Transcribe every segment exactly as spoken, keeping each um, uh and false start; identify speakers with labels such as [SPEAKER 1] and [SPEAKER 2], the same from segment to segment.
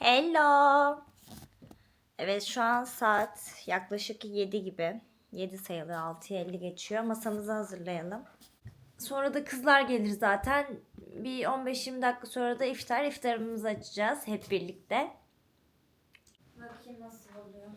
[SPEAKER 1] Hello. Evet şu an saat yaklaşık yedi gibi. yedi sayılı altıya elli geçiyor. Masamızı hazırlayalım. Sonra da kızlar gelir zaten. Bir on beş yirmi dakika sonra da iftar. İftarımızı açacağız hep birlikte. Bakayım nasıl oluyor.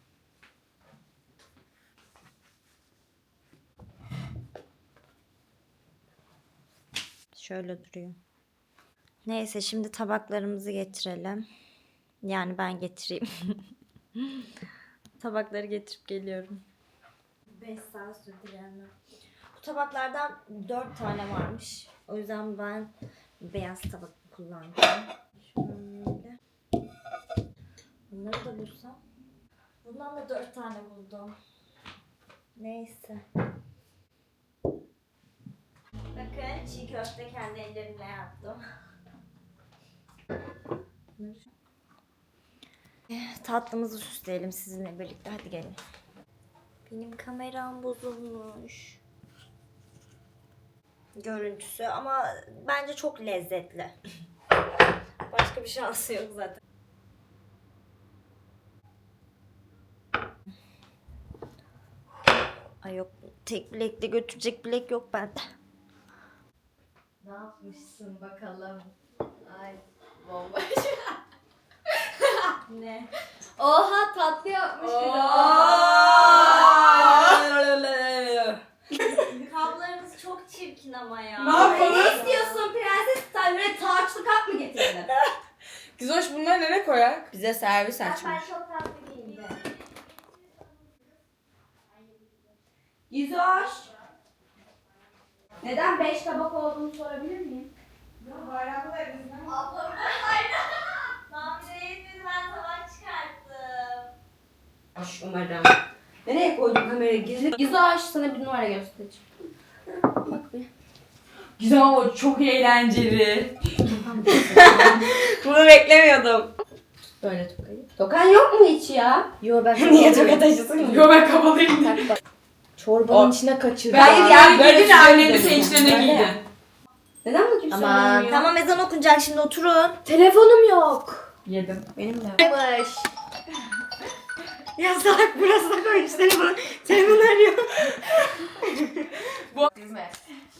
[SPEAKER 1] Şöyle duruyor. Neyse şimdi tabaklarımızı getirelim. Yani ben getireyim. Tabakları getirip geliyorum. beş saat sürdü yani. Bu tabaklardan dört tane varmış. O yüzden ben beyaz tabak kullanacağım. Şöyle. Bunları da bulsam. Bundan da dört tane buldum. Neyse. Bakın çiğ köfte kendi ellerimle yaptım. Tatlımızı süsleyelim sizinle birlikte. Hadi gelin. Benim kameram bozulmuş. Görüntüsü ama bence çok lezzetli. Başka bir şansı yok zaten. Ay yok, tek bilekle götürecek bilek yok bende.
[SPEAKER 2] Ne yapmışsın bakalım? Ay bomba.
[SPEAKER 1] Ne?
[SPEAKER 2] Oha tatlı yapmış bir de.
[SPEAKER 1] Kablarınız çok çirkin ama ya.
[SPEAKER 3] Ne yapalım?
[SPEAKER 2] Ne istiyorsun prenses? Sen böyle taçlı kap mı getirdin?
[SPEAKER 3] Güzoş bunları nereye koyak?
[SPEAKER 2] Bize servis
[SPEAKER 1] Ben,
[SPEAKER 2] açmış.
[SPEAKER 1] ben çok tatlı giyindim.
[SPEAKER 2] Güzoş. Neden beş tabak olduğunu sorabilir miyim?
[SPEAKER 1] Ablamın aynen. Mamile yetmedi, ben tabak çıkarttım.
[SPEAKER 2] Hoş umarım. Nereye koydun kamerayı? Gizli. Güzoş sana bir numara göstereceğim. Bak bir.
[SPEAKER 3] Güzel ama çok eğlenceli.
[SPEAKER 1] Bunu beklemiyordum.
[SPEAKER 2] Böyle tokayı. Tokan yok mu hiç ya? Yo ben
[SPEAKER 1] Niye toka taşısın?
[SPEAKER 3] Yo ben kabalıyım.
[SPEAKER 2] Çorbanın
[SPEAKER 3] O-
[SPEAKER 2] içine kaçırdım.
[SPEAKER 3] Ben ya böyle
[SPEAKER 2] şey
[SPEAKER 3] annenin sevinçlerine giydi.
[SPEAKER 2] Neden bu kimse
[SPEAKER 1] Aman
[SPEAKER 2] bilmiyor?
[SPEAKER 1] tamam, ezan okunacak şimdi, oturun.
[SPEAKER 2] Telefonum yok.
[SPEAKER 3] Yedim.
[SPEAKER 2] Benim de. Yavaş.
[SPEAKER 1] Ya salak, burasına koymuş telefonu. Telefon arıyor.
[SPEAKER 2] Düzme.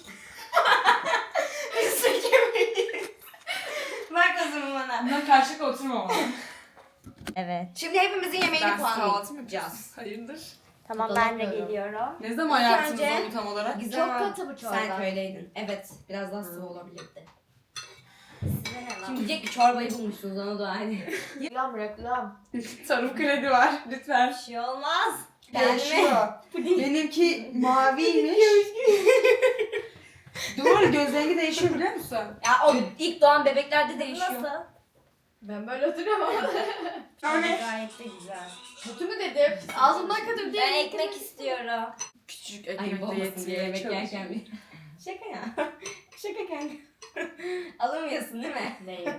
[SPEAKER 1] Bak o zaman bana.
[SPEAKER 3] Bundan karşılıklı oturma ama.
[SPEAKER 1] Evet.
[SPEAKER 2] Şimdi hepimizin yemeğini
[SPEAKER 3] Ben kahvaltı
[SPEAKER 2] puanlayacağız.
[SPEAKER 3] Hayırdır?
[SPEAKER 1] Tamam
[SPEAKER 2] Dolap
[SPEAKER 1] ben de
[SPEAKER 2] koyuyorum.
[SPEAKER 1] geliyorum.
[SPEAKER 3] Ne zaman
[SPEAKER 2] İlk
[SPEAKER 3] yaptınız
[SPEAKER 2] önce-
[SPEAKER 3] onu tam olarak?
[SPEAKER 2] Güzel Çok katı bu çorba.
[SPEAKER 4] Sen köydeydin. Evet, biraz daha sıvı olabilirdi.
[SPEAKER 1] Size ne lan?
[SPEAKER 4] Şimdi diyecek ki çorbayı bulmuşsunuz, ona dua edin.
[SPEAKER 2] Reklam reklam.
[SPEAKER 3] Tarım kredi var lütfen.
[SPEAKER 1] Bir şey olmaz.
[SPEAKER 3] Değişiyor. Benimki maviymiş. Doğru, göz rengi değişiyor biliyor musun?
[SPEAKER 4] Ya o ilk doğan bebeklerde değişiyor.
[SPEAKER 1] Nasıl?
[SPEAKER 2] Ben böyle oturamam.
[SPEAKER 1] Gayet de güzel.
[SPEAKER 2] Kötü mü dedim? Ağzımdan kötü
[SPEAKER 1] Ben
[SPEAKER 2] değil.
[SPEAKER 1] ekmek istiyorum.
[SPEAKER 3] Küçücük
[SPEAKER 4] Ayıp
[SPEAKER 3] ekmek de
[SPEAKER 4] olmasın diye yemek
[SPEAKER 3] yetmiyor.
[SPEAKER 4] yerken bir. Şaka ya. Şaka kanka. Alamıyorsun değil mi?
[SPEAKER 2] Neyim?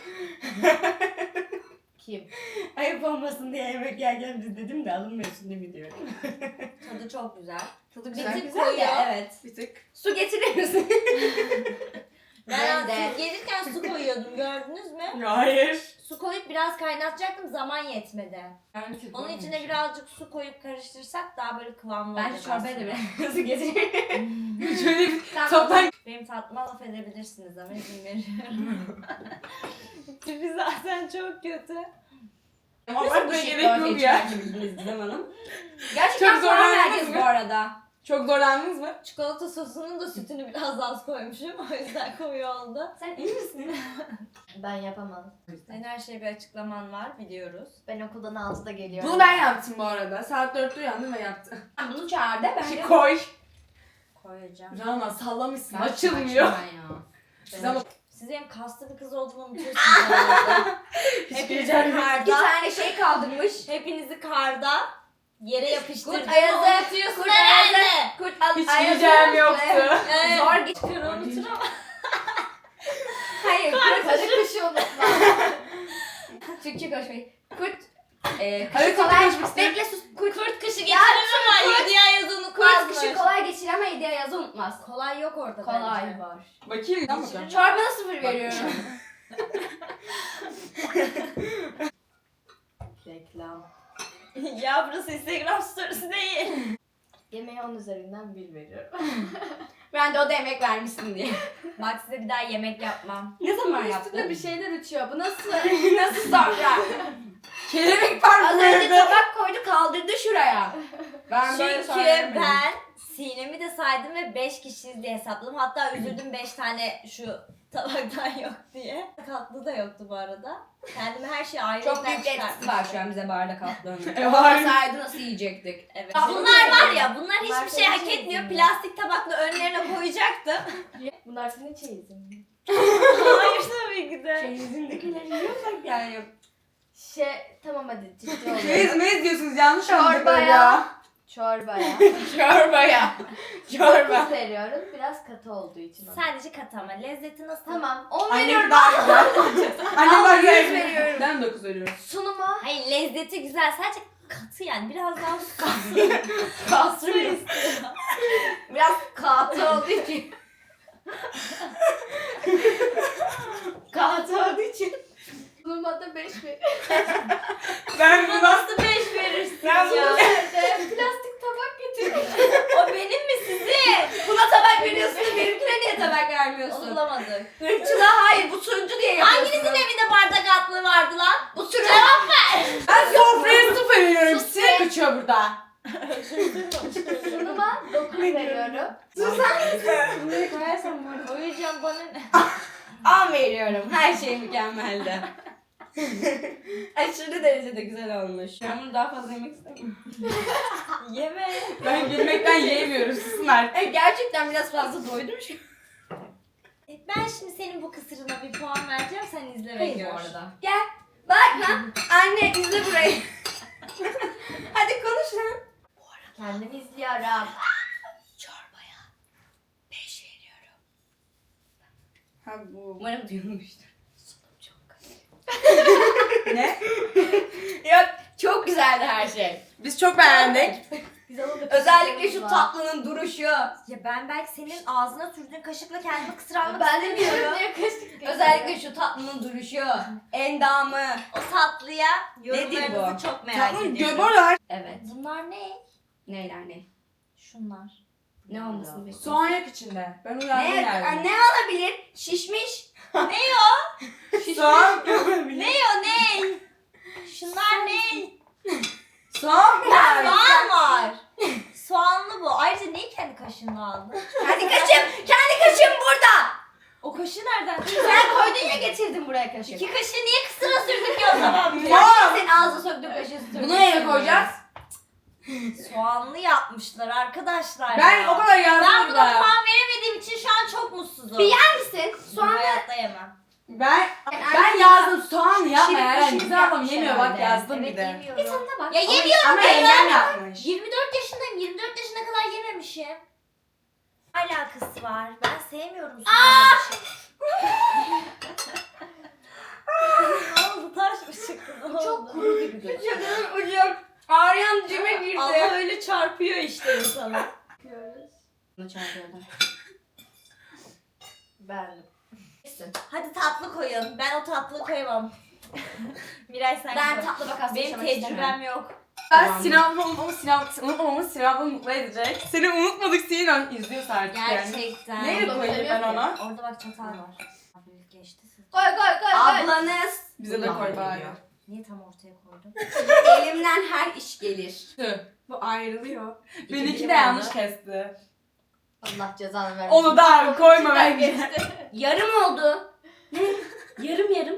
[SPEAKER 2] Kim?
[SPEAKER 4] Ayıp olmasın diye yemek yerken biz dedim de alınmıyorsun değil mi diyorum.
[SPEAKER 1] Tadı çok güzel.
[SPEAKER 3] Tadı
[SPEAKER 4] Bir
[SPEAKER 3] güzel.
[SPEAKER 4] tık
[SPEAKER 3] güzel
[SPEAKER 4] koyu.
[SPEAKER 3] ya.
[SPEAKER 4] Evet.
[SPEAKER 3] Bir tık.
[SPEAKER 4] Su getirir misin?
[SPEAKER 1] Ben,
[SPEAKER 2] Ben de.
[SPEAKER 1] siz gelirken su koyuyordum, gördünüz mü?
[SPEAKER 3] Hayır.
[SPEAKER 1] Su koyup biraz kaynatacaktım, zaman yetmedi.
[SPEAKER 3] Yani
[SPEAKER 1] Onun içine birazcık su koyup karıştırsak daha böyle kıvamlı
[SPEAKER 4] Ben
[SPEAKER 1] olacak
[SPEAKER 4] çorbaya da
[SPEAKER 1] aslında.
[SPEAKER 4] biraz su getiririm.
[SPEAKER 3] Şöyle bir
[SPEAKER 1] Tamam,
[SPEAKER 3] toptan
[SPEAKER 1] benim tatlıma laf edebilirsiniz ama izin veriyorum. Tipi zaten çok kötü.
[SPEAKER 3] ama
[SPEAKER 4] Nasıl bu
[SPEAKER 3] böyle
[SPEAKER 4] şekilde
[SPEAKER 3] gerek
[SPEAKER 4] ortaya
[SPEAKER 3] yok ya.
[SPEAKER 4] çıkartabildiniz Gizem Hanım?
[SPEAKER 2] Gerçekten
[SPEAKER 3] Çok
[SPEAKER 2] soran
[SPEAKER 3] zorlandınız
[SPEAKER 2] herkes
[SPEAKER 3] mı?
[SPEAKER 2] bu arada.
[SPEAKER 3] Çok zorlandınız mı?
[SPEAKER 1] Çikolata sosunun da sütünü biraz az koymuşum. O yüzden koyu oldu.
[SPEAKER 4] Sen iyi misin?
[SPEAKER 2] Ben yapamam.
[SPEAKER 1] Senin her şeye bir açıklaman var, biliyoruz.
[SPEAKER 2] Ben okuldan altıda geliyorum.
[SPEAKER 3] Bunu ben yaptım bu arada. Saat dörtte uyandım ve yaptım.
[SPEAKER 2] Sen bunu çağır de ben de.
[SPEAKER 3] Koy.
[SPEAKER 1] Koyacağım.
[SPEAKER 3] Rana sallamışsın.
[SPEAKER 4] Gerçekten
[SPEAKER 3] Açılmıyor.
[SPEAKER 4] açma ya.
[SPEAKER 3] Siz ama
[SPEAKER 1] Siz benim kaslı bir kız olduğumu unutuyorsunuz herhalde.
[SPEAKER 3] hiç
[SPEAKER 1] Hepinizi
[SPEAKER 3] geleceğim yok.
[SPEAKER 2] İki
[SPEAKER 1] karda,
[SPEAKER 2] tane şey kaldırmış.
[SPEAKER 1] hepinizi karda yere yapıştırdım.
[SPEAKER 2] Kurt ayazı.
[SPEAKER 1] Unutuyorsun
[SPEAKER 2] Kurt
[SPEAKER 1] herhalde.
[SPEAKER 2] ayazı. Kurt al-
[SPEAKER 3] Hiç
[SPEAKER 2] ayazı.
[SPEAKER 3] geleceğim yoktu.
[SPEAKER 1] Evet.
[SPEAKER 2] Zor geç.
[SPEAKER 1] Kırı unuturum.
[SPEAKER 2] Hayır, kurt arı kışı unutma. Türkçe konuşmayı. Kurt e,
[SPEAKER 3] Hadi
[SPEAKER 2] kışı
[SPEAKER 3] kurt
[SPEAKER 2] kolay.
[SPEAKER 3] konuşmak
[SPEAKER 2] Bekle sus. Kurt,
[SPEAKER 1] Kurt kışı
[SPEAKER 2] Ya,
[SPEAKER 1] geçirir ama
[SPEAKER 2] kurt-
[SPEAKER 1] yedi ay yazı
[SPEAKER 2] kurt
[SPEAKER 1] unutmazmış.
[SPEAKER 2] kışı kolay geçir ama hediye yazı unutmaz.
[SPEAKER 1] Kolay yok orada
[SPEAKER 2] Kolay
[SPEAKER 1] bence.
[SPEAKER 2] var.
[SPEAKER 3] Bakayım. Tamam bakalım.
[SPEAKER 2] Çorbana sıfır veriyorum.
[SPEAKER 1] Ya burası Instagram storiesi değil.
[SPEAKER 4] Yemeğe on üzerinden bir veriyorum.
[SPEAKER 2] Ben de o da emek vermişsin diye.
[SPEAKER 1] Bak size bir daha yemek yapmam.
[SPEAKER 2] Ne zaman
[SPEAKER 4] Üstünde
[SPEAKER 2] yaptın?
[SPEAKER 4] bir şeyler uçuyor. Bu nasıl?
[SPEAKER 2] Nasıl sonra?
[SPEAKER 3] Kelebek
[SPEAKER 2] Az
[SPEAKER 3] parkı.
[SPEAKER 2] önce tabak koydu kaldırdı şuraya. Ben böyle
[SPEAKER 1] Çünkü
[SPEAKER 2] söylemedim.
[SPEAKER 1] ben Sinem'i de saydım ve beş kişiyiz diye hesapladım. Hatta üzüldüm beş tane şu tabaktan yok diye. Tatlı da yoktu bu arada. Kendime her şeyi ayrı
[SPEAKER 2] Çok büyük etkisi var şu an bize bardak atlığının.
[SPEAKER 3] E, var.
[SPEAKER 2] Olmasaydı nasıl yiyecektik?
[SPEAKER 1] Evet.
[SPEAKER 2] Ah,
[SPEAKER 1] Bunlar var ya, bunlar
[SPEAKER 4] Bunlar
[SPEAKER 1] hiçbir şey
[SPEAKER 4] senin
[SPEAKER 1] hak
[SPEAKER 4] çeyizin
[SPEAKER 1] etmiyor.
[SPEAKER 4] mi?
[SPEAKER 1] Plastik tabakla önlerine koyacaktım.
[SPEAKER 4] Bunlar senin çeyizin mi?
[SPEAKER 1] Hayır tabii ki de.
[SPEAKER 2] Çeyizindekileri yiyorsak yani.
[SPEAKER 4] Şey, tamam hadi ciddi oluyor.
[SPEAKER 3] Meyiz meyiz diyorsunuz yanlış anladık
[SPEAKER 4] Çorbaya.
[SPEAKER 3] ya.
[SPEAKER 4] Çorbaya.
[SPEAKER 2] Çorbaya. Çorba.
[SPEAKER 4] dokuz veriyorum. Biraz katı olduğu için. ama.
[SPEAKER 1] Sadece kat ama lezzeti nasıl?
[SPEAKER 4] Tamam. on
[SPEAKER 3] Annem
[SPEAKER 4] veriyorum.
[SPEAKER 3] daha güzel. Annem daha
[SPEAKER 2] yüz
[SPEAKER 3] güzel.
[SPEAKER 2] veriyorum.
[SPEAKER 3] Ben dokuz veriyorum.
[SPEAKER 4] Sunuma.
[SPEAKER 1] Hayır lezzeti güzel, sadece katı yani biraz daha katı.
[SPEAKER 2] Kasrı istiyor. Biraz katı olduğu için. katı olduğu için.
[SPEAKER 4] Sunuma da beş veriyorum.
[SPEAKER 3] Ben
[SPEAKER 1] Buna
[SPEAKER 3] buna
[SPEAKER 1] nasıl beş verirsin
[SPEAKER 3] Ben bunu-
[SPEAKER 1] ya?
[SPEAKER 4] Nerede? Plastik tabak getirmiş.
[SPEAKER 1] O benim mi sizin?
[SPEAKER 2] Buna tabak veriyorsun da benimkine niye tabak
[SPEAKER 1] Onu
[SPEAKER 2] vermiyorsun?
[SPEAKER 1] bulamadık.
[SPEAKER 2] Irkçılığa hayır bu turuncu diye yapıyorsun.
[SPEAKER 1] Hanginizin evinde bardak altlığı vardı lan?
[SPEAKER 2] Bu turuncu.
[SPEAKER 3] ben sofraya sıfır veriyorum.
[SPEAKER 4] Sus
[SPEAKER 3] Sinek
[SPEAKER 4] be.
[SPEAKER 3] uçuyor burada.
[SPEAKER 4] Sunuma dokuz veriyorum.
[SPEAKER 2] Bunları koyarsam bu arada.
[SPEAKER 1] Uyuyacağım bana ne?
[SPEAKER 2] on veriyorum. Her şey mükemmeldi. Aşırı derecede güzel olmuş. Ben bunu daha fazla yemek istemiyorum.
[SPEAKER 1] Yeme.
[SPEAKER 3] Ben gülmekten yiyemiyorum. Susun artık.
[SPEAKER 2] E, gerçekten biraz fazla doydum şu
[SPEAKER 1] Ben şimdi senin bu kısırına bir puan vereceğim, sen izle ve
[SPEAKER 2] Hayır
[SPEAKER 1] gör.
[SPEAKER 2] bu arada. Gel. Bak lan. Anne izle burayı. Hadi konuş lan.
[SPEAKER 4] Kendimi izliyorum.
[SPEAKER 2] Çorbaya beş veriyorum.
[SPEAKER 3] Ha bu.
[SPEAKER 2] Umarım duyulmuştur. Sunum çok
[SPEAKER 3] Ne?
[SPEAKER 2] Yok çok güzeldi her şey.
[SPEAKER 3] Biz çok beğendik.
[SPEAKER 4] Biz onu da
[SPEAKER 2] Özellikle şu
[SPEAKER 4] var.
[SPEAKER 2] tatlının duruşu.
[SPEAKER 1] Ya ben belki senin ağzına sürdüğün kaşıkla kendimi kısır almak
[SPEAKER 4] Ben de
[SPEAKER 1] istemiyorum.
[SPEAKER 4] biliyorum diye kaşık.
[SPEAKER 2] Özellikle şu tatlının duruşu. Endamı.
[SPEAKER 1] O tatlıya
[SPEAKER 2] Nedir
[SPEAKER 1] yorumlarınızı
[SPEAKER 2] bu?
[SPEAKER 1] çok merak
[SPEAKER 3] Tamam
[SPEAKER 1] ediyorum.
[SPEAKER 3] göbürler.
[SPEAKER 2] Evet.
[SPEAKER 1] Bunlar ne?
[SPEAKER 2] Neyler ne?
[SPEAKER 1] Şunlar.
[SPEAKER 2] Ne olmasını bekliyorsun?
[SPEAKER 3] Soğan yok içinde. Ben uyardım
[SPEAKER 2] Ne,
[SPEAKER 3] geldim.
[SPEAKER 2] ne olabilir? Şişmiş.
[SPEAKER 3] Soğan.
[SPEAKER 1] Ne o ne? Şunlar ne?
[SPEAKER 3] Soğan var.
[SPEAKER 1] Soğan var. Soğanlı bu. Ayrıca neyi kendi kaşığınla aldın?
[SPEAKER 2] Kendi kaşım. Kendi kaşım burada.
[SPEAKER 1] O kaşığı nereden?
[SPEAKER 2] Sen koydun ya getirdin buraya kaşık.
[SPEAKER 1] İki kaşığı niye kısıra sürdük ya o zaman?
[SPEAKER 3] Soğan.
[SPEAKER 2] Senin ağzına söktüğün kaşığı sürdün.
[SPEAKER 3] Bunu nereye koyacağız?
[SPEAKER 1] Soğanlı yapmışlar arkadaşlar.
[SPEAKER 3] Ben
[SPEAKER 1] ya.
[SPEAKER 3] o kadar yazdım
[SPEAKER 1] Ben buna
[SPEAKER 3] burada.
[SPEAKER 1] puan veremediğim için şu an çok mutsuzum.
[SPEAKER 2] Bir yer misin?
[SPEAKER 1] Bunu
[SPEAKER 2] Soğanı.
[SPEAKER 1] hayatta yemem.
[SPEAKER 3] Ben
[SPEAKER 2] Ben-
[SPEAKER 3] ben yazdım soğan yapma
[SPEAKER 2] Şirin
[SPEAKER 3] yani.
[SPEAKER 2] şirin
[SPEAKER 3] Güzel adam
[SPEAKER 2] yapmış
[SPEAKER 3] yemiyor bak
[SPEAKER 2] herhalde.
[SPEAKER 3] yazdım bir
[SPEAKER 1] Evet
[SPEAKER 3] de.
[SPEAKER 1] yemiyorum.
[SPEAKER 2] Bir tadına bak.
[SPEAKER 1] Ya
[SPEAKER 3] Ama-
[SPEAKER 1] yemiyorum
[SPEAKER 3] Ama
[SPEAKER 1] ben
[SPEAKER 3] Eylem
[SPEAKER 1] ya.
[SPEAKER 3] yapmış.
[SPEAKER 1] yirmi dört yaşındayım. yirmi dört yaşına kadar yememişim. Alakası var. Ben sevmiyorum soğanlı bir şey. Ne oldu? Taş mı çıktı? Ne
[SPEAKER 4] Bu çok
[SPEAKER 1] oldu?
[SPEAKER 4] kuru gibi gözüküyor.
[SPEAKER 2] Ucum ucum. Ağrıyan cime girdi.
[SPEAKER 1] Allah öyle çarpıyor işte insana.
[SPEAKER 4] Yapıyoruz.
[SPEAKER 2] Bunu çarpıyordum.
[SPEAKER 4] Ben.
[SPEAKER 1] Hadi tatlı koyun. Ben o tatlıyı koyamam. Miray sen
[SPEAKER 2] Ben
[SPEAKER 1] koy.
[SPEAKER 2] tatlı vakası
[SPEAKER 1] Benim
[SPEAKER 2] yaşamak
[SPEAKER 1] tecrübem
[SPEAKER 2] istemiyorum.
[SPEAKER 1] yok.
[SPEAKER 3] Ben
[SPEAKER 2] Tamam.
[SPEAKER 3] Sinan'ı unutmamız, Sinan, unutmamamız Sinan'ı mutlu edecek. Seni unutmadık Sinan. İzliyorsa artık yani.
[SPEAKER 1] Gerçekten.
[SPEAKER 3] Neyle
[SPEAKER 4] Onu
[SPEAKER 3] koyayım ben
[SPEAKER 4] söylemiyor
[SPEAKER 3] ona?
[SPEAKER 1] Orada bak çatal var. Hafif geçti siz.
[SPEAKER 4] Koy koy koy koy.
[SPEAKER 2] Ablanız.
[SPEAKER 3] Bize de koy bari.
[SPEAKER 1] Niye tam ortaya koydun?
[SPEAKER 2] Elimden her iş gelir.
[SPEAKER 3] Tüh.
[SPEAKER 2] Bu ayrılıyor.
[SPEAKER 3] Benimki
[SPEAKER 2] dilim
[SPEAKER 3] de yanlış
[SPEAKER 2] oldu.
[SPEAKER 3] kesti.
[SPEAKER 4] Allah cezanı vermesin.
[SPEAKER 3] Onu da abi koyma
[SPEAKER 4] İçinden
[SPEAKER 3] bence.
[SPEAKER 4] geçti.
[SPEAKER 2] Yarım oldu. Ne? Yarım yarım.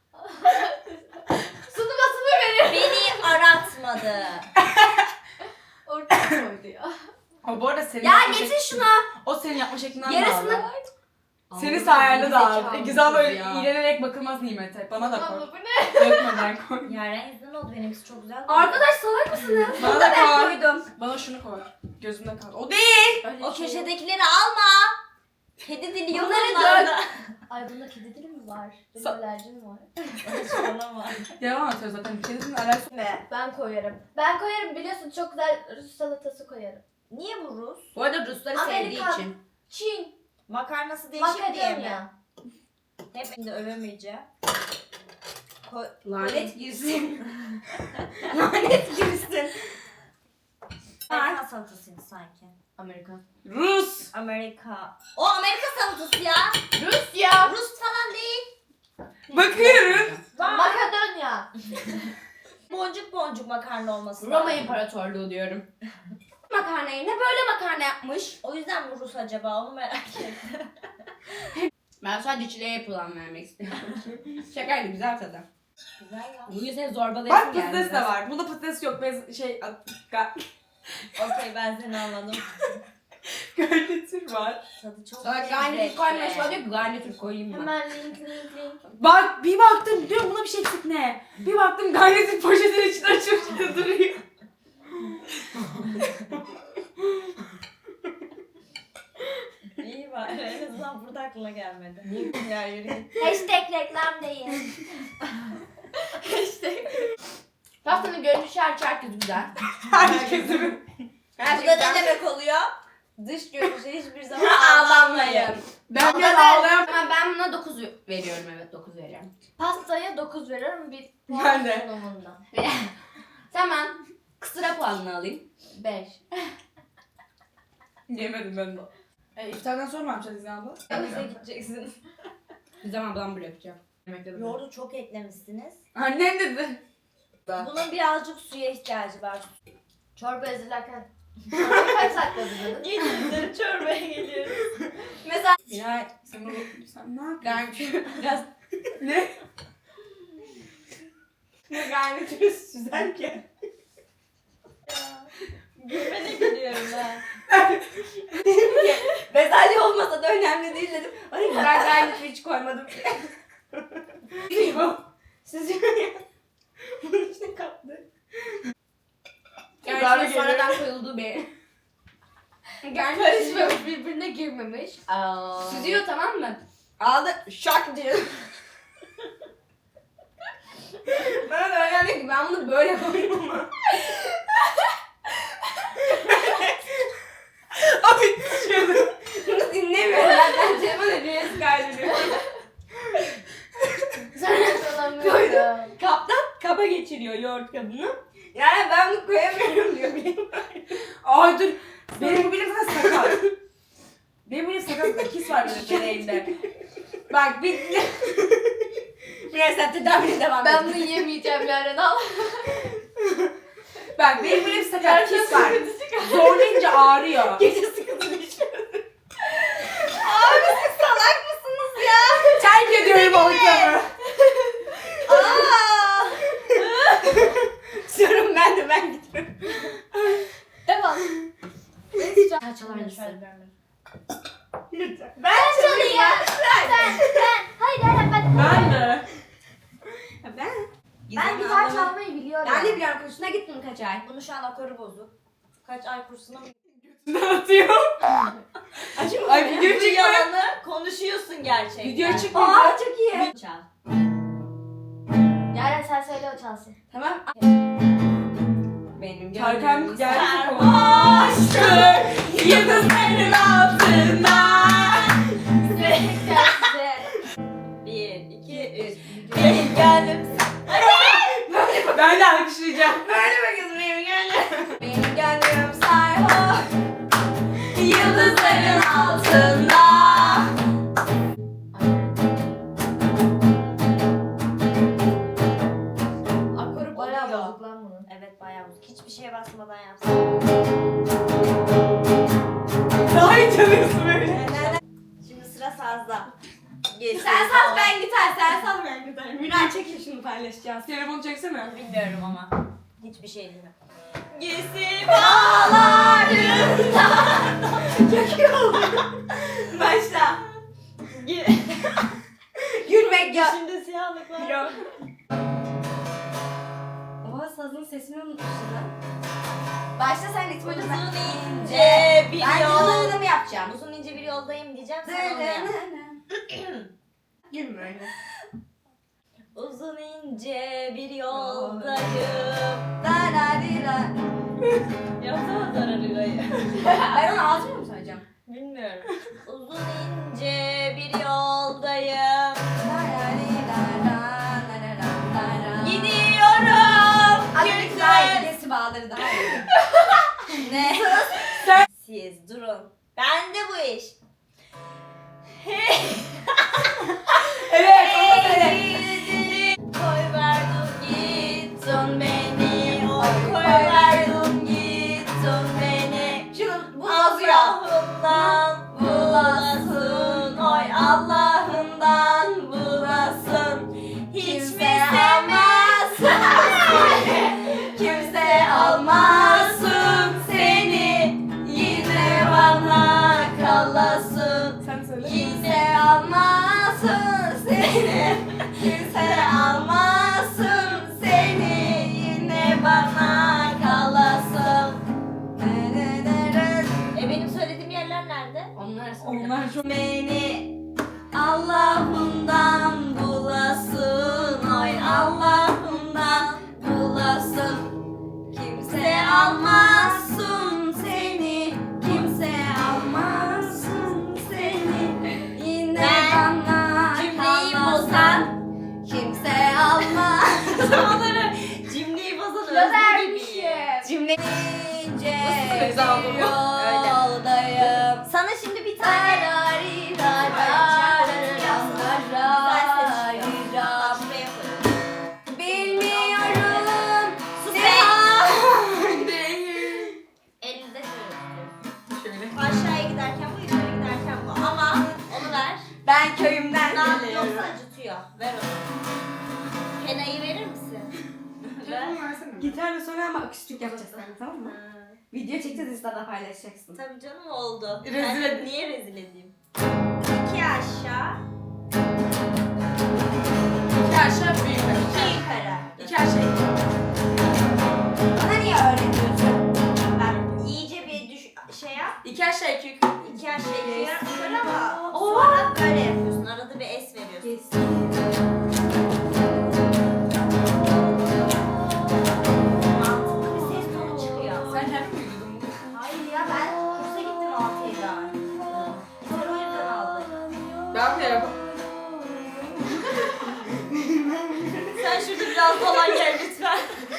[SPEAKER 4] Sunumasını veriyor.
[SPEAKER 1] Beni aratmadı.
[SPEAKER 4] Ortaya koydu ya.
[SPEAKER 3] O bu arada senin
[SPEAKER 2] Ya
[SPEAKER 3] yapma
[SPEAKER 2] getir
[SPEAKER 3] şek-
[SPEAKER 2] şunu.
[SPEAKER 3] O senin yapma şeklinden
[SPEAKER 2] Yarısını-
[SPEAKER 3] de aldı. Senin
[SPEAKER 2] Aldı,
[SPEAKER 3] sayende de aldı.
[SPEAKER 2] gerizekalı
[SPEAKER 3] Güzel böyle
[SPEAKER 2] kız ya.
[SPEAKER 3] iğrenerek bakılmaz nimete. Bana da koy.
[SPEAKER 4] Abla bu ne?
[SPEAKER 3] Dökmeden koy.
[SPEAKER 1] Yaren yüzünden oldu benimkisi çok güzel.
[SPEAKER 2] Arkadaş salak mısınız?
[SPEAKER 3] Bana
[SPEAKER 2] Bunu
[SPEAKER 3] da
[SPEAKER 2] da ben
[SPEAKER 3] koy.
[SPEAKER 2] koydum.
[SPEAKER 3] Bana şunu koy. Gözümde kal. O değil.
[SPEAKER 4] Öyle
[SPEAKER 1] O
[SPEAKER 4] şey yok.
[SPEAKER 1] köşedekileri alma. Kedi dili yok
[SPEAKER 2] Bunları
[SPEAKER 1] onlarda.
[SPEAKER 4] Ay bunda kedi dili mi var? Benim
[SPEAKER 3] Sa-
[SPEAKER 4] alerjim var.
[SPEAKER 1] Saçmalama.
[SPEAKER 3] Devam atıyor zaten. Kedinin alakası.
[SPEAKER 2] Ne?
[SPEAKER 4] Ben koyarım. Ben koyarım biliyorsun çok güzel Rus salatası koyarım.
[SPEAKER 1] Niye bu Rus?
[SPEAKER 2] Bu arada Rusları sevdiği
[SPEAKER 4] Amerikan.
[SPEAKER 2] için.
[SPEAKER 4] Çin.
[SPEAKER 1] Makarnası değişik diye mi?
[SPEAKER 4] Makedonya.
[SPEAKER 1] Hep de övemeyeceğim. Ko-
[SPEAKER 2] Lanet girsin. Lanet girsin.
[SPEAKER 1] Amerikan salatasıydı sanki.
[SPEAKER 2] Amerika.
[SPEAKER 3] Rus.
[SPEAKER 1] Amerika. O Amerika salatası ya.
[SPEAKER 2] Rusya.
[SPEAKER 1] Rus falan değil.
[SPEAKER 3] Bakıyorum.
[SPEAKER 4] Makedonya.
[SPEAKER 1] Boncuk boncuk makarna olması
[SPEAKER 2] Roma
[SPEAKER 1] lazım.
[SPEAKER 2] İmparatorluğu diyorum. Makarna yerine böyle makarna yapmış.
[SPEAKER 1] O yüzden mi Rus acaba onu merak ettim.
[SPEAKER 2] Ben sadece çileğe puan vermek istiyorum. Şakaydı, güzel tadı.
[SPEAKER 1] Güzel ya.
[SPEAKER 2] Bugün seni zorbalayasın
[SPEAKER 3] Bak
[SPEAKER 2] geldi.
[SPEAKER 3] patates de
[SPEAKER 2] biraz.
[SPEAKER 3] var. Bunda patates yok. Bez şey ga-
[SPEAKER 1] Okey ben seni anladım.
[SPEAKER 3] garnitür var.
[SPEAKER 1] Tadı çok
[SPEAKER 2] Sonra
[SPEAKER 1] lezzetli.
[SPEAKER 2] garnitür koymaya çalışıyor, garnitür koyayım mı?
[SPEAKER 4] Hemen link link link.
[SPEAKER 3] Bak bir baktım diyorum buna bir şey eksik ne? Bir baktım garnitür poşetin içinde açıp duruyor.
[SPEAKER 1] İyi var. En azından burada aklına gelmedi. Ya yürü git.
[SPEAKER 4] Hashtag reklam değil.
[SPEAKER 2] Pastanın görünüşü her herkes güzel.
[SPEAKER 3] Herkesin.
[SPEAKER 2] Her
[SPEAKER 1] Bu
[SPEAKER 2] şey
[SPEAKER 1] da ne
[SPEAKER 2] güzel.
[SPEAKER 1] demek oluyor? Dış görünüşe hiçbir zaman
[SPEAKER 2] Ağlanmayın.
[SPEAKER 3] Ben biraz
[SPEAKER 2] Ama
[SPEAKER 3] ağlayan.
[SPEAKER 2] ben, ben buna dokuz veriyorum, evet dokuz veriyorum.
[SPEAKER 4] Pastaya dokuz veriyorum bir puan
[SPEAKER 3] Ben de.
[SPEAKER 4] sunumundan.
[SPEAKER 2] Hemen kısıra puanını alayım.
[SPEAKER 4] beş.
[SPEAKER 3] Yemedim ben de. E, iftardan sonra mı yapacağız İzin abla?
[SPEAKER 1] Denize gideceksin.
[SPEAKER 2] Bir zaman ben böyle yapacağım.
[SPEAKER 3] Yemekte de.
[SPEAKER 1] Yoğurdu çok eklemişsiniz.
[SPEAKER 3] Annem dedi.
[SPEAKER 1] Bunun birazcık suya ihtiyacı var.
[SPEAKER 4] Çorba hazırlarken. Çorbayı kaç dakika hazırladın?
[SPEAKER 1] Yediğinizleri çorbaya geliyoruz.
[SPEAKER 2] Mesela
[SPEAKER 3] Miray sen, bu- sen ne yapıyorsun?
[SPEAKER 2] garnitür biraz
[SPEAKER 3] Ne?
[SPEAKER 2] ne garnitürü süzerken.
[SPEAKER 1] Gülmene geliyorum ben.
[SPEAKER 2] Bezelye olmasa da önemli değil dedim. Ay ben garnitür hiç koymadım. Süzüyor ya. Bunun içine kaptı.
[SPEAKER 3] Garnitür
[SPEAKER 2] Garnitür sonradan koyulduğu bir. Garnitür
[SPEAKER 4] Karışmamış, birbirine girmemiş.
[SPEAKER 2] süzüyor, tamam mı? Aldı şak diyor. Bana da öyle dedi ki ben bunu böyle koyuyorum ama.
[SPEAKER 3] Abi düşüyordum.
[SPEAKER 2] Bunu dinlemiyorum. Ben telefon ediyoruz kaydediyorum.
[SPEAKER 4] Sonra
[SPEAKER 2] Koydum. Kaptan kaba geçiriyor yoğurt kabını. Yani ben bunu koyamıyorum diyor.
[SPEAKER 3] Ay dur. Benim bu bilim zaten sakat. Benim bilim sakat. Kis var benim çeneğimde. Bak bir...
[SPEAKER 2] Biraz sen tedavine devam
[SPEAKER 4] Ben
[SPEAKER 2] et.
[SPEAKER 4] bunu yemeyeceğim yarın al.
[SPEAKER 3] Bak benim bilim sakat. Kis var. Zorlayınca ağrıyor.
[SPEAKER 2] Gece sıkıntılı içiyorum. Abi siz salak mısınız ya?
[SPEAKER 3] Terk ediyorum ortamı.
[SPEAKER 2] Aaa! Diyorum ben de ben gidiyorum.
[SPEAKER 4] Devam.
[SPEAKER 2] Ha çalar mısın?
[SPEAKER 3] Lütfen.
[SPEAKER 2] Ben çalayım.
[SPEAKER 4] Ben, ben. Hayır hayır ben.
[SPEAKER 3] Ben de.
[SPEAKER 2] Ben.
[SPEAKER 4] Ben gitar çalmayı biliyorum.
[SPEAKER 2] Ben de biliyorum, kursuna gittim kaç ay.
[SPEAKER 1] Bunu şu an akoru bozuk. Kaç ay kursuna mı
[SPEAKER 3] Ne atıyor?
[SPEAKER 2] Acım
[SPEAKER 3] Ay
[SPEAKER 2] mı?
[SPEAKER 3] video
[SPEAKER 1] Bu
[SPEAKER 3] çıkmıyor.
[SPEAKER 1] yalanı konuşuyorsun gerçekten.
[SPEAKER 3] Video çıkmıyor.
[SPEAKER 2] Aa çok iyi.
[SPEAKER 1] Çal.
[SPEAKER 4] Yaren sen söyle o çalsın.
[SPEAKER 2] Tamam. Benim
[SPEAKER 3] Tarkan
[SPEAKER 2] gönlüm
[SPEAKER 3] geldi.
[SPEAKER 2] sarhoştur. Yıldızların altında.
[SPEAKER 1] Bir, iki, üç. Benim gönlüm.
[SPEAKER 3] Ben de alkışlayacağım.
[SPEAKER 2] Böyle mi kızım benim gönlüm? Benim gönlüm sarhoş. Yıldızların altında.
[SPEAKER 1] Akoru
[SPEAKER 4] Bayağı
[SPEAKER 1] bozuyor.
[SPEAKER 4] bozuk lan bunun.
[SPEAKER 1] Evet bayağı bozuk. Hiçbir şeye basmadan yapsın.
[SPEAKER 3] Daha iyi çalıyorsun böyle.
[SPEAKER 1] Şimdi sıra sazda. Geçti.
[SPEAKER 2] Sen saz ben gitar, sen saz ben gitar. Miray çekil şunu paylaşacağız.
[SPEAKER 3] Telefonu çeksene.
[SPEAKER 1] Bilmiyorum ama. Hiçbir şey bilmiyorum. Gesi
[SPEAKER 2] Bağlarında. Çok iyi oldu. Başla. Gülmek yok.
[SPEAKER 1] Şimdi siyahlık var.
[SPEAKER 2] Yok. Oha sazın sesini unutmuşsun lan. Başla sen ritmi
[SPEAKER 1] Uzun
[SPEAKER 2] ben.
[SPEAKER 1] ince bir
[SPEAKER 2] Ben
[SPEAKER 1] yol.
[SPEAKER 2] yollarını yapacağım.
[SPEAKER 1] Uzun ince bir yoldayım diyeceğim. Sen onu yap.
[SPEAKER 2] Gülme öyle.
[SPEAKER 1] Uzun ince bir yoldayım.
[SPEAKER 2] Da da di da.
[SPEAKER 1] Yapsana zararıyı.
[SPEAKER 2] Ben onu ağzımla mı söyleyeceğim?
[SPEAKER 1] Bilmiyorum. Uzun ince bir yoldayım.
[SPEAKER 2] Da da di da da da da da da
[SPEAKER 4] sağları daha iyi.
[SPEAKER 1] Ne? Siz durun. Ben de bu iş.
[SPEAKER 3] Evet, onu söyle.
[SPEAKER 1] Koy verdin gittin beni. Oy koy verdin gittin beni.
[SPEAKER 4] Şunu bu bozuyor.
[SPEAKER 1] Allah'ından bulasın. Oy Allah'ından bulasın. Hiç mi sevmezsin? Kimse almasın seni. Yine bana kalasın.
[SPEAKER 3] Sen söyle.
[SPEAKER 1] Kimse almasın seni. Kimse almasın seni. Yine bana kalasın. E benim söylediğim yerler nerede?
[SPEAKER 4] Onlar
[SPEAKER 3] Onlar çok...
[SPEAKER 1] Beni Allah'ından bulasın. Oy Allah'ından bulasın. Kimse almasın seni. Kimse almasın seni. Yine bana cümleyi bozan. Kimse almasın. Onları cümleyi bozan özür gibi. Cümle
[SPEAKER 3] Söz aldım.
[SPEAKER 1] yoldayım. Sana şimdi bir tane bilmiyorum. Sus be. Elinde
[SPEAKER 3] Şöyle.
[SPEAKER 1] aşağıya giderken bu, yukarı giderken bu. Ama onu ver.
[SPEAKER 4] Ben köyümden
[SPEAKER 1] Lan
[SPEAKER 4] geliyorum.
[SPEAKER 1] yoksa acıtıyor. Ver onu. Hena'yı verir misin? Ver.
[SPEAKER 3] Telefonu versene.
[SPEAKER 4] Gitarla sonra ama akustik yapacağız sen, tamam mı?
[SPEAKER 1] Ha,
[SPEAKER 4] Video çekeceğiz, Insta'da paylaşacaksın.
[SPEAKER 1] tabii canım oldu.
[SPEAKER 3] Rezil
[SPEAKER 1] Ben
[SPEAKER 3] et-
[SPEAKER 1] niye rezil edeyim? İki aşağı,
[SPEAKER 3] İki aşağı bir yukarı.
[SPEAKER 1] iki yukarı.
[SPEAKER 3] İki aşağı iki.
[SPEAKER 4] Bana niye öğretiyorsun?
[SPEAKER 1] Ben iyice bir düş şey yap.
[SPEAKER 3] İki aşağı iki yukarı.
[SPEAKER 1] İki aşağı iki yukarı ama
[SPEAKER 4] Oo.
[SPEAKER 1] sonra böyle yapıyorsun. Arada bir es veriyorsun. Mantıklı bir ses tonu çıkıyor.
[SPEAKER 3] Sen kendin mi uydurdun bunu?
[SPEAKER 1] Hayır ya ben kursa gittim altı yıldan. Gitar o yüzden aldım.
[SPEAKER 3] Ben de yapamam.
[SPEAKER 1] Sen şurada biraz dolan gel lütfen.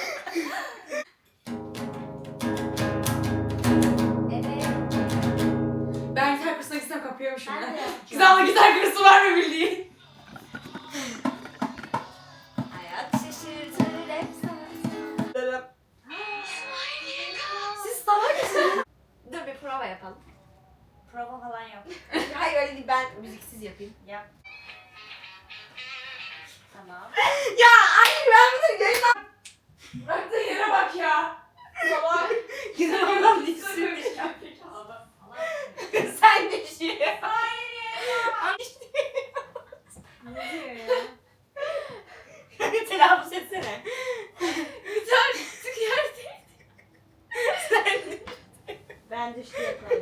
[SPEAKER 1] Evet.
[SPEAKER 3] Ben gitar kursuna gitsem kapıyormuşum
[SPEAKER 1] Ben de
[SPEAKER 3] ya.
[SPEAKER 1] yapacağım.
[SPEAKER 3] Güzel ama gitar kursu var mı bildiğin?
[SPEAKER 1] Hayat şaşırtır hep sana.
[SPEAKER 4] Siz salak mısınız? Dur bir prova yapalım.
[SPEAKER 1] Prova falan yok.
[SPEAKER 4] Hayır öyle değil, ben müziksiz yapayım.
[SPEAKER 1] Yap. Tamam.
[SPEAKER 4] Ya anne ben bunu yayınlam...
[SPEAKER 3] Bıraktığın yere bak ya. Salak.
[SPEAKER 4] Güzel olan değilsin. Sen düşün.
[SPEAKER 3] Hayır ya.
[SPEAKER 1] Ne diyor ya?
[SPEAKER 4] Telaffuz etsene.
[SPEAKER 3] Gitar çık yerde.
[SPEAKER 1] Ben düştü yapalım.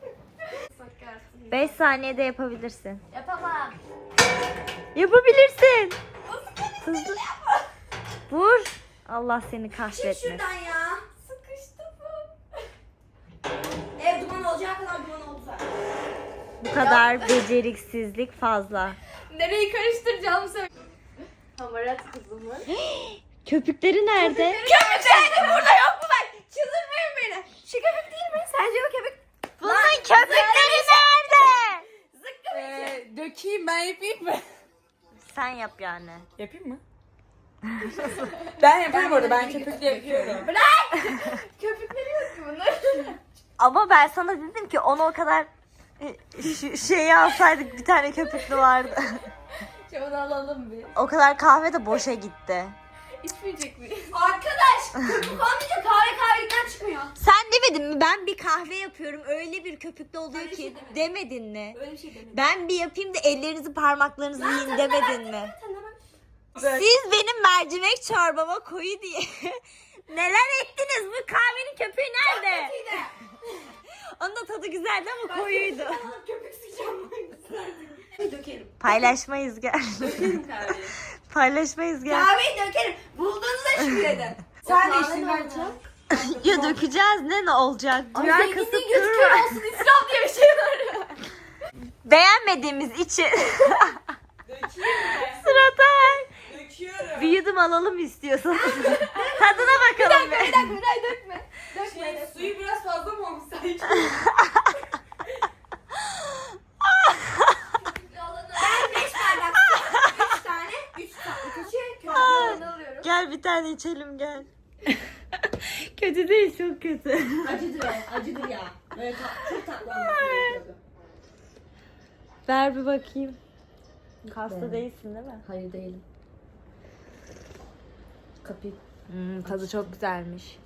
[SPEAKER 1] beş saniyede yapabilirsin.
[SPEAKER 4] Yapamam.
[SPEAKER 1] Yapabilirsin. Hızlı. Vur. Allah seni
[SPEAKER 4] Çık
[SPEAKER 1] kahretmesin.
[SPEAKER 4] şuradan ya. Sıkıştı bu. Ev duman olacağı kadar duman oldu zaten.
[SPEAKER 1] Bu kadar beceriksizlik fazla.
[SPEAKER 4] Nereyi karıştıracağımı söyle. Hamarat kızımın.
[SPEAKER 1] Köpükleri nerede?
[SPEAKER 4] Köpük burada yok mu ben? Çıldırmayın beni. Şu köpük değil mi? Sence o köpük?
[SPEAKER 1] Bunun köpükleri nerede?
[SPEAKER 4] Zıkkım
[SPEAKER 3] Ee, dökeyim ben yapayım mı?
[SPEAKER 1] Sen yap yani.
[SPEAKER 3] Yapayım mı? Ben yapıyorum orada. Ben köpükle yapıyorum.
[SPEAKER 4] Köpükleri yok ki bunlar.
[SPEAKER 1] Ama ben sana dedim ki onu o kadar e, şu şeyi alsaydık bir tane köpüklü vardı.
[SPEAKER 4] Şimdi onu alalım bir.
[SPEAKER 1] O kadar kahve de boşa gitti.
[SPEAKER 4] İçmeyecek miyiz? Arkadaş köpük olmayınca kahve kahvelikten çıkmıyor.
[SPEAKER 1] Sen demedin mi? Ben bir kahve yapıyorum. Öyle bir köpüklü oluyor
[SPEAKER 4] Öyle bir
[SPEAKER 1] ki.
[SPEAKER 4] şey demedim.
[SPEAKER 1] Demedin mi?
[SPEAKER 4] Öyle bir şey demedim.
[SPEAKER 1] Ben bir yapayım da ellerinizi parmaklarınızı yiyin demedin mi?
[SPEAKER 4] Sen hemen
[SPEAKER 1] Siz benim mercimek çorbama koyu diye neler ettiniz? Bu kahvenin köpüğü nerede? Onun da tadı güzeldi ama koyuydu.
[SPEAKER 4] köpük sıkacağım. Dökelim.
[SPEAKER 1] Paylaşmayız gel.
[SPEAKER 4] Dökelim kahveyi.
[SPEAKER 1] Paylaşmayız gel.
[SPEAKER 4] Kahveyi dökelim. Bulduğunuza şükredin. Sen de içtin bence.
[SPEAKER 1] Ya dökeceğiz ne ne olacak? Duyar kasıp
[SPEAKER 4] Zenginliğin gözü
[SPEAKER 1] durma.
[SPEAKER 4] kör olsun, israf diye bir şey var.
[SPEAKER 1] Beğenmediğimiz için.
[SPEAKER 3] Dökeyim mi?
[SPEAKER 1] Sıratay.
[SPEAKER 3] Döküyorum.
[SPEAKER 1] Bir yudum alalım istiyorsan. Tadına bakalım.
[SPEAKER 4] Bir dakika bir dakika dökme.
[SPEAKER 3] Suyu biraz fazla mı olmuş sanki?
[SPEAKER 4] Ben beş bardak su, üç tane, üç tatlı kaşığı köpüğünü alıyorum.
[SPEAKER 1] Gel bir tane içelim gel. Kötü değil çok kötü.
[SPEAKER 4] Acıdır o, acıdır ya. Böyle tat, çok tatlı olması gerekiyordu.
[SPEAKER 1] Ver bir bakayım. Hasta değilsin değil mi?
[SPEAKER 2] Hayır değilim. Kapıyı.
[SPEAKER 1] Hmm, tadı çok güzelmiş.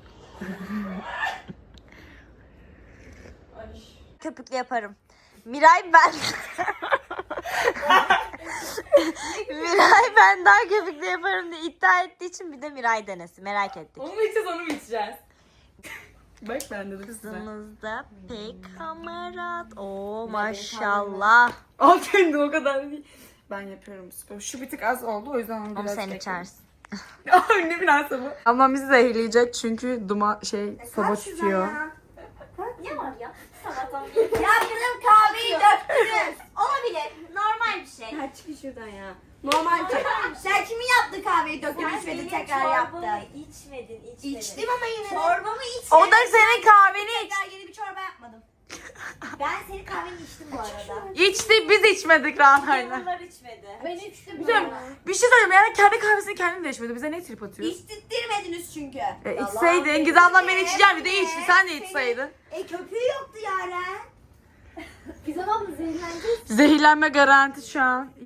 [SPEAKER 1] Köpüklü yaparım. Miray ben. Miray ben daha köpüklü yaparım diye iddia ettiği için bir de Miray denesin. Merak ettik.
[SPEAKER 3] Onu mu içeceğiz onu mu içeceğiz? Bak ben de
[SPEAKER 1] Kızımız da pek hamarat. Oo maşallah.
[SPEAKER 3] Al kendin o kadar değil. Ben yapıyorum spor. Şu bir tık az oldu o yüzden onu
[SPEAKER 1] Onu
[SPEAKER 3] biraz
[SPEAKER 1] sen
[SPEAKER 3] ekledim.
[SPEAKER 1] içersin.
[SPEAKER 3] Ay ne münasebet. Ablam bizi zehirleyecek çünkü duman şey soba tutuyor.
[SPEAKER 4] Ne var ya? Sabahtan beri. Ya kızım kahveyi döktünüz. Olabilir. Normal bir şey.
[SPEAKER 2] Ha çıkın şuradan ya.
[SPEAKER 4] Normal bir şey. Sen kimin yaptı kahveyi döktün içmedi tekrar yaptın.
[SPEAKER 1] içmedin, içmedin.
[SPEAKER 4] İçtim ama yine de.
[SPEAKER 1] Çorbamı içmedin.
[SPEAKER 3] O da senin kahveni iç.
[SPEAKER 4] Tekrar yeni bir çorba yapmadım. Ben senin kahveni içtim bu arada.
[SPEAKER 3] İçti biz içmedik Rana'yla.
[SPEAKER 1] Bunlar içmedi.
[SPEAKER 4] Ben içtim.
[SPEAKER 3] Güzel. Bir şey söyleyeyim yani kendi kahvesini kendin de içmedi. Bize ne trip atıyor?
[SPEAKER 4] İçtirtmediniz çünkü.
[SPEAKER 3] E, içseydin. Giz ablam beni içeceğim bir de içti. Sen de içseydin.
[SPEAKER 4] E köpüğü yoktu Yaren.
[SPEAKER 2] Biz ama zehirleneceğiz.
[SPEAKER 3] Zehirlenme garanti şu an.